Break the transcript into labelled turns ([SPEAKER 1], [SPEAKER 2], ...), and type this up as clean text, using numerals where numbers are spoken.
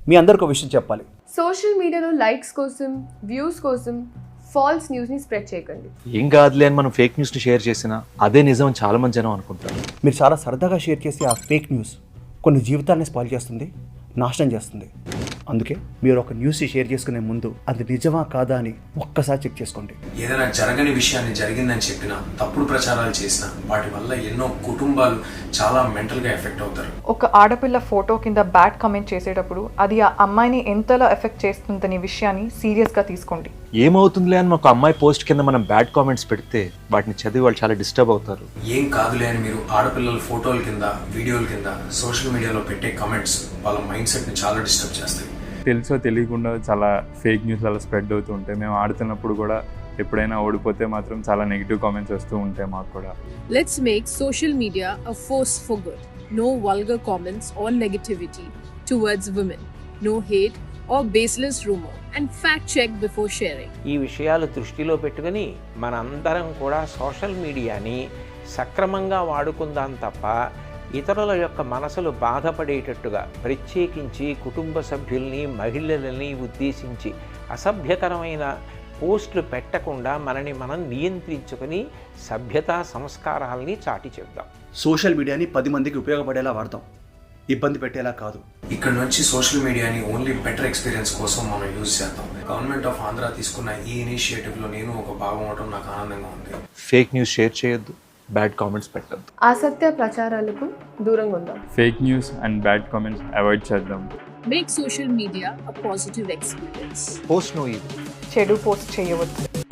[SPEAKER 1] మీ అందరికి ఒక విషయం చెప్పాలి.
[SPEAKER 2] సోషల్ మీడియాలో లైక్స్ కోసం, వ్యూస్ కోసం ఫాల్స్ న్యూస్ని స్ప్రెడ్ చేయకండి.
[SPEAKER 3] ఏం కాదులే అని మనం ఫేక్ న్యూస్ని షేర్ చేసినా అదే నిజం అని చాలా మంది జనం అనుకుంటారు.
[SPEAKER 1] మీరు చాలా సరదాగా షేర్ చేసే ఆ ఫేక్ న్యూస్ కొన్ని జీవితాలని స్పాయిల్ చేస్తుంది, నాశనం చేస్తుంది. అందుకే మీరు ఒక న్యూస్ షేర్ చేసుకునే ముందు అది నిజమా కాదా అని ఒక్కసారి చెక్ చేసుకోండి.
[SPEAKER 4] ఏదైనా జరగని విషయాన్ని జరిగిందని చెప్పినా, తప్పుడు ప్రచారాలు చేసినా వాటి వల్ల ఎన్నో కుటుంబాలు చాలా మెంటల్గా ఎఫెక్ట్ అవుతారు.
[SPEAKER 5] ఒక ఆడపిల్ల ఫోటో కింద బ్యాడ్ కామెంట్ చేసేటప్పుడు అది ఆ అమ్మాయిని ఎంతలా ఎఫెక్ట్ చేస్తుందనే విషయాన్ని సీరియస్గా తీసుకోండి.
[SPEAKER 3] ఏమవుతుందిలే అని ఒక అమ్మాయి పోస్ట్ కింద మనం బ్యాడ్ కామెంట్స్ పెడితే వాటిని చదివి వాళ్ళు చాలా డిస్టర్బ్ అవుతారు.
[SPEAKER 4] ఏం కాదులే అని మీరు ఆడపిల్లల ఫోటోల కింద, వీడియోల కింద సోషల్ మీడియాలో పెట్టే కమెంట్స్ వాళ్ళ మైండ్ సెట్ని చాలా డిస్టర్బ్ చేస్తాయి.
[SPEAKER 6] తెలుసో తెలియకుండా చాలా ఫేక్ న్యూస్ అలా స్ప్రెడ్ అవుతూ ఉంటాయి. మేము ఆడుతున్నప్పుడు కూడా ఎప్పుడైనా ఓడిపోతే మాత్రం చాలా నెగిటివ్ కామెంట్స్ వస్తూ ఉంటాయి మాకు కూడా.
[SPEAKER 7] Let's make social media a force for good. No vulgar comments or negativity towards women. No hate or baseless rumor. And fact check before sharing.
[SPEAKER 8] ఈ విషయాలు దృష్టిలో పెట్టుకుని మనందరం కూడా సోషల్ మీడియాని సక్రమంగా వాడుకుందాం తప్ప ఇతరుల యొక్క మనసులు బాధపడేటట్టుగా, ప్రత్యేకించి కుటుంబ సభ్యుల్ని, మహిళలని ఉద్దేశించి అసభ్యకరమైన పోస్టులు పెట్టకుండా మనని మనం నియంత్రించుకొని సభ్యతా సంస్కారాల్ని చాటి చెప్దాం.
[SPEAKER 1] సోషల్ మీడియాని 10 మందికి ఉపయోగపడేలా వాడతాం, ఇబ్బంది పెట్టేలా కాదు.
[SPEAKER 4] ఇక్కడ నుంచి సోషల్ మీడియాని ఓన్లీ బెటర్ ఎక్స్పీరియన్స్ కోసం మనం యూజ్ చేద్దాం. గవర్నమెంట్ ఆఫ్ ఆంధ్ర తీసుకున్న ఈ ఇనిషియేటివ్లో నేను ఒక భాగం అవడం నాకు ఆనందంగా ఉంది.
[SPEAKER 3] ఫేక్ న్యూస్ షేర్ చేయొద్దు, బ్యాడ్ కామెంట్స్ పెట్టద్దు,
[SPEAKER 2] అసత్య ప్రచారాలకు దూరంగా ఉందాం.
[SPEAKER 6] Fake news and bad comments avoid చేద్దాం.
[SPEAKER 7] Make social media a positive experience.
[SPEAKER 3] Post no ఇది
[SPEAKER 5] చెడు పోస్ట్ చేయవద్దు.